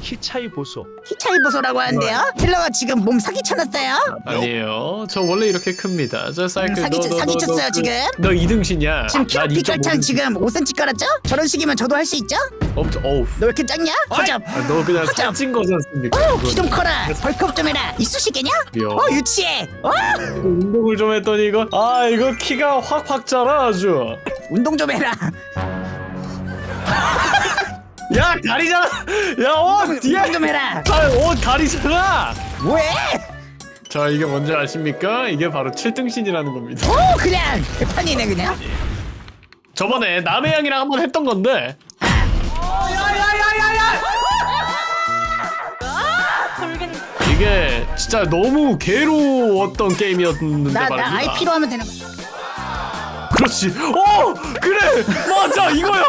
키 차이 보소. 키 차이 보소라고 하는데요? 텔러가 지금 몸 사기쳐놨어요? 아니에요. 저 원래 이렇게 큽니다. 저 사이클 사기쳤어요 지금? 너 2등신이야. 지금 키로 피결창 지금 5cm 깔았죠? 저런 식이면 저도 할 수 있죠? 어우. 너 왜 이렇게 작냐? 허접. 너 그냥 허접. 살찐 거지 않습니까? 키 좀 커라. 벌크업 좀 해라. 이쑤시개냐? 유치해. 운동을 좀 했더니 이거 이거 키가 확 자라 아주. 운동 좀 해라. 야 다리잖아. 야 뒤에 운동 좀 해라. 다리잖아. 왜? 자 이게 뭔지 아십니까? 이게 바로 7등신이라는 겁니다. 오 그냥 개판이네 그냥. 저번에 남의 양이랑 한번 했던 건데. 이게 진짜 너무 괴로웠던 게임이었는데 나 말입니다. IP로 하면 되는 거야. 그렇지. 그래 맞아 이거야.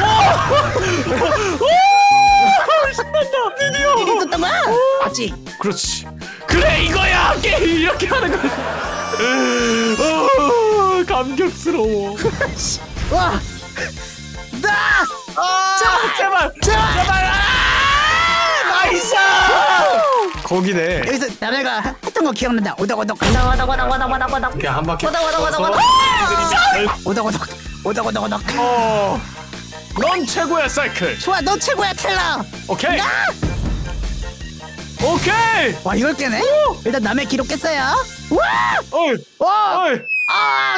신난다 드디어. 일이 있었던 거야? 맞지? 그렇지. 그래 이거야 게임 이렇게 하는 거야. 감격스러워. 와. 나. 제발. 나이스. 거기네. 여기서 남해가 했던 거 기억난다. 오덕오덕. 그냥 한 바퀴. 오덕오덕. 넌 최고야 사이클. 좋아 너 최고야 텔러. 오케이. 나. 오케이. 와 이걸 깨네? 일단 남의 기록 깼어요. 와. 어이. 와. 어이. 아.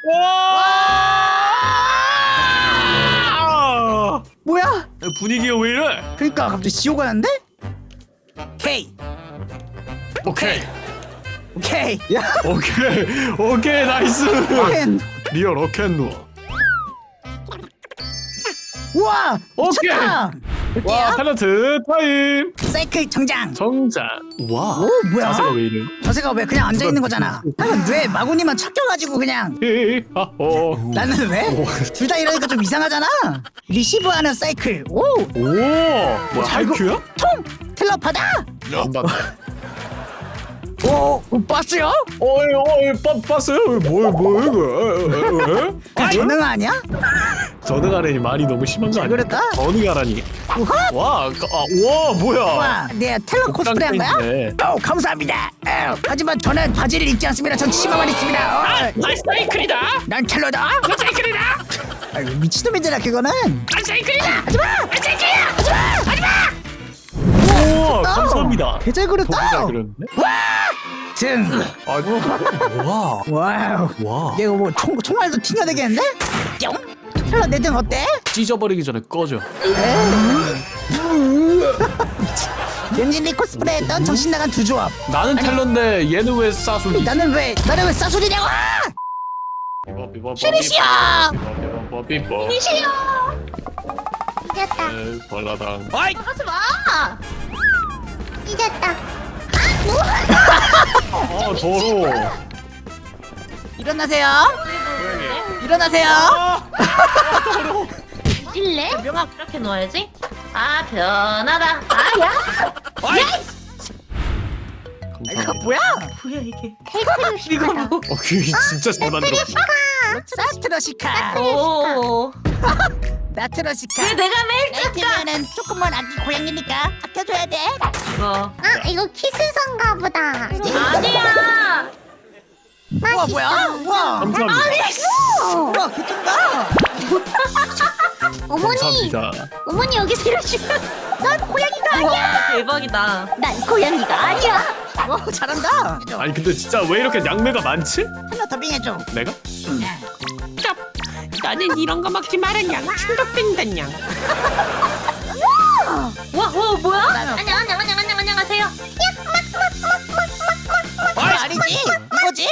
와. 뭐야? 분위기가 왜 이래? 그러니까 갑자기 지옥 가는데? 오케이. 야. 오케이 나이스. 캔. 리얼 어켄누. 우와. 오케이. 미쳤다. 와 탤런트 타임. 사이클 정장. 와. 오 뭐야? 자세가 왜 이래? 자세가 왜 그냥 앉아 있는 거잖아. 나는 왜 마구니만 척겨가지고 그냥. 나는 왜? 둘 다 이러니까 좀 이상하잖아. 리시브하는 사이클. 오. 뭐야 하이큐야? 통. 텔러 받아. 안 받아. 오. 봤어요? 봤어요? 뭐 이거? 그 전능 아니야? 전능하라니 말이 너무 심한 거 아니야? 그랬다? 전능하라니. 우와. 와 뭐야? 와, 네 텔러 코스프레 한 거야? 네. 감사합니다. 하지만 저는 바지를 입지 않습니다. 전 치마만 입습니다. 난 사이클이다. 난 텔러다. 난 사이클이다. 아이고 미친놈이잖아 그거는. 난 사이클이다. 하지마. 난 사이클이야. 하지마. 우와 감사합니다. 개잘 되게 그렸다. 잘 그렸네. 등. 와우. 와. 얘가 뭐 총알도 튕겨 되겠는데? 뿅. 텔러 내 등 어때? 찢어버리기 전에 꺼져. 연진리 코스프레 했던 정신 나간 두 조합. 나는 텔러인데 얘는 왜 싸수기? 나는 왜 싸소리냐고? 쉐리시야. 이시여. 이겼다. 발라당. 하지 마. 이겼다. 더러워. 일어나세요. 일어나세요. 일래? 명함. 이렇게 놓아야지. 변하다. 야. 이거 감사합니다. 뭐야? 뭐야 이게? 테이크를 이거 뭐? 귀 진짜 잘 만들었어. 사트러시카. 오. 나트러시카. 왜 내가 매일 깎아? 레이트면은 조금만 아기 고양이니까 아껴줘야 돼. 이거. 이거 키스선가 보다. 아니야. 우와 뭐야? 우와. 감사합니다. 우와 개쩐다. 어머니, 감사합니다. 어머니 여기서 이러시면 난 고양이가 아니야. 와, 대박이다. 난 고양이가 아니야. 와 잘한다. 아니 근데 진짜 왜 이렇게 양매가 많지? 하나 더빙해줘. 내가? 나는 이런 거 먹지 말았냐. 충격된다냐. 와, 뭐야? 안녕하세요. 아니지 이거지.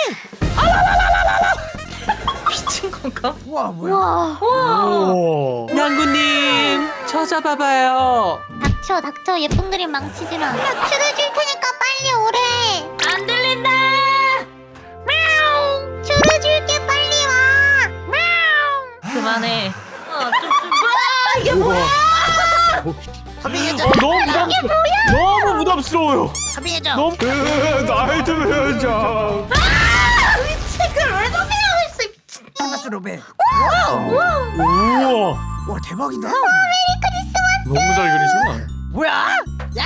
미친 건가? 우와 뭐야? 와, 오. 냥구님, 저 잡아봐요. 닥쳐 예쁜 그림 망치지 마. 추를 줄 테니까 빨리 오래. 안 들린다. 추를 줄게 빨리 와. 그만해. 이게 뭐야? 더빙해줘. 너무 부담스러워요. 더빙해줘. 너무 나이트메어 장. 책을 왜 도배하고 있어? 미친. 크리스마스 로베. 우와. 와 대박이다. 너무 잘 그리잖아. 뭐야? 야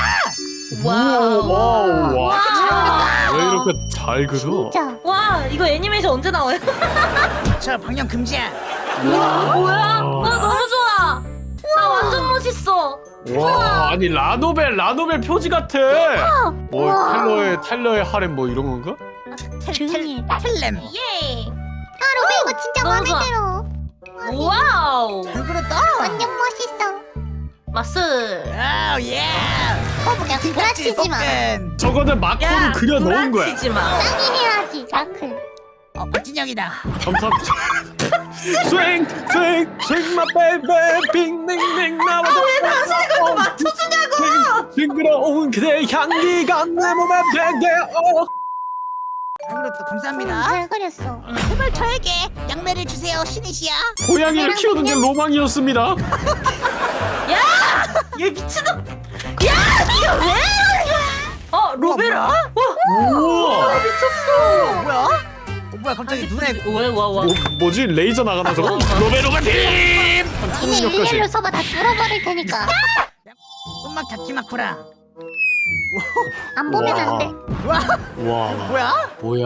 와우. 와우. 와. 와. 왜 이렇게 잘 그려? 진짜. 와 이거 애니메이션 언제 나와요? 저 방영 금지야. 뭐야? 와 너무 좋아. 나 완전 멋있어. 와, 아니 라노벨 표지 같아. 뭐 텔러의 하렘 뭐 이런 건가? 조용히 해. 텔렘. 예. 아 로베 이거 진짜 너무 마음에 좋아. 들어. 와우. 잘 그렸다. 완전 멋있어. 마스. 아우 예. 야 구라치지 마. 볶음. 저거는 마크로 그려 놓은 거야. 구라치지 마. 짱이 해야지 마클. 멋진 형이다. 감사합니다. 스윙 my baby 빙빙빙 나와줘. 왜 그거 맞춰주냐고. 싱그러운 그대의 향기가 내 몸에 배게. 잘 그렸다. 감사합니다. 잘 그렸어. 제발 저에게 양매를 주세요, 신이시야. 고양이를 키우는 게 로망이었습니다. 얘 미친놈. 야 이거 왜? 로베라? 와 우와. 미쳤어. 뭐야? 뭐야 갑자기 눈에 와. 뭐지 레이저 나가나 저거? 로베 빔! 니네 일렬로 서봐 다 뚫어버릴 테니까. 음악 다키마쿠라. 안 보면 안 돼. 와 와 뭐야?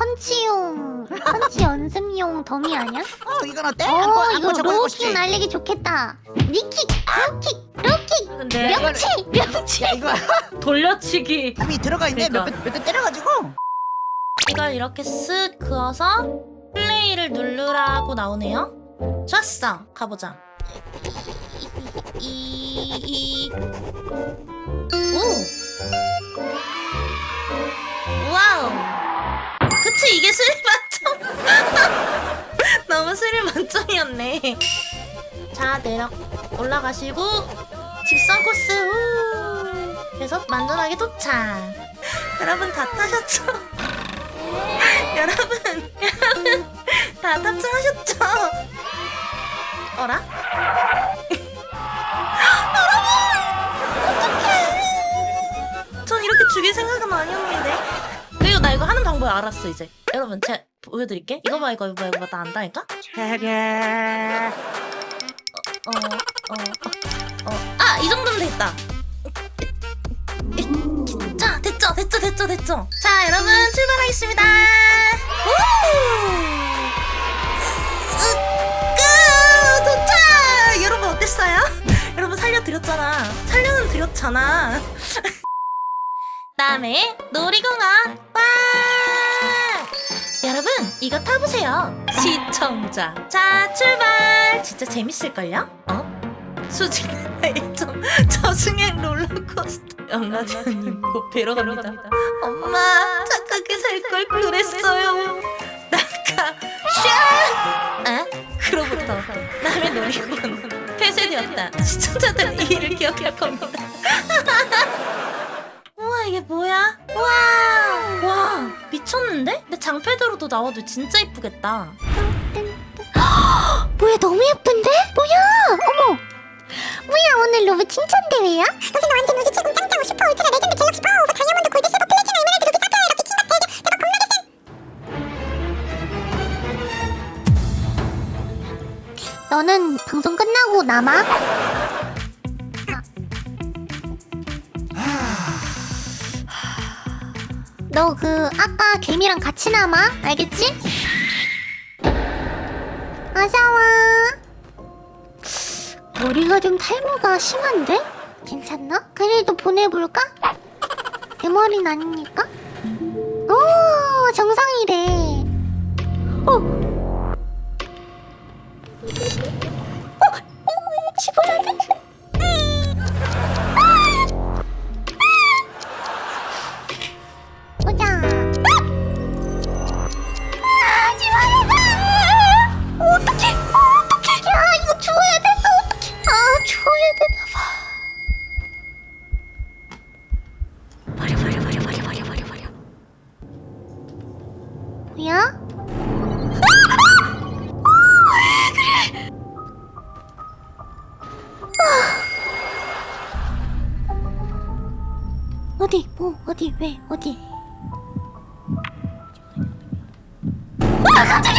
펀치 연습용 덤이 아니야? 이건 어때? 이거 저거 로우킥 날리기 좋겠다. 니킥, 로킥, 근데 명치. 야 이거 돌려치기. 이미 들어가 있네. 그러니까. 몇 대 때려가지고. 이걸 이렇게 쓱 그어서 플레이를 누르라고 나오네요. 좋았어. 가보자. 오. 와우. 그치 이게 스릴 만점. 너무 스릴 만점이었네. 자 올라가시고 직선 코스 그래서 만전하게 도착. 여러분 다 타셨죠? 여러분 다 탑승하셨죠? 어라? 여러분! 전 이렇게 죽일 생각은 아니었는데. 그리고 나 이거 하는 방법 알았어 이제. 여러분 제가 보여드릴게. 이거 봐 이거 봐 나 안다니까? 아! 이 정도면 됐다. 자 됐죠. 자 여러분 출발하겠습니다. 도착. 여러분 어땠어요? 여러분 살려는 드렸잖아. 다음에 놀이공원 빵. 여러분 이거 타보세요 시청자. 자 출발. 진짜 재밌을걸요? 수직 1점 저승행 롤러코스터. 영라자님 곧 뵈러 갑니다. 엄마 착하게 살 걸 그랬어요. 낙하 샤. 그로부터 남의 놀이공원 폐쇄되었다. 시청자들은 이 일을 기억할 겁니다. 우와 이게 뭐야? 와 미쳤는데? 근데 장패드로도 나와도 진짜 이쁘겠다. 뭐야 너무 예쁜데? 뭐야? 어머. 뭐야 오늘 로브 칭찬 대회야? 여기는 완전 우주 최고 짱짱 슈퍼 울트라 레전드 갤럭시 파워 오버 다이아몬드 골드 실버 플래티넘 에메랄드 루비 사파이어 럭키 킹받 대박 겁나게 쎄. 너는 방송 끝나고 남아? 너 그 아까 개미랑 같이 남아? 알겠지? 어서와. 머리가 좀 탈모가 심한데? 괜찮나? 그래도 보내볼까? 대머리는 아니니까? 오 정상이래. 집어야 돼? 보자. 집어야 돼. 어떡해. 야 이거 주워야 돼. 어떡해. 주워야 되나봐. 버려. 뭐야? 어디? 어디? 왜? 어디? 깜짝이야!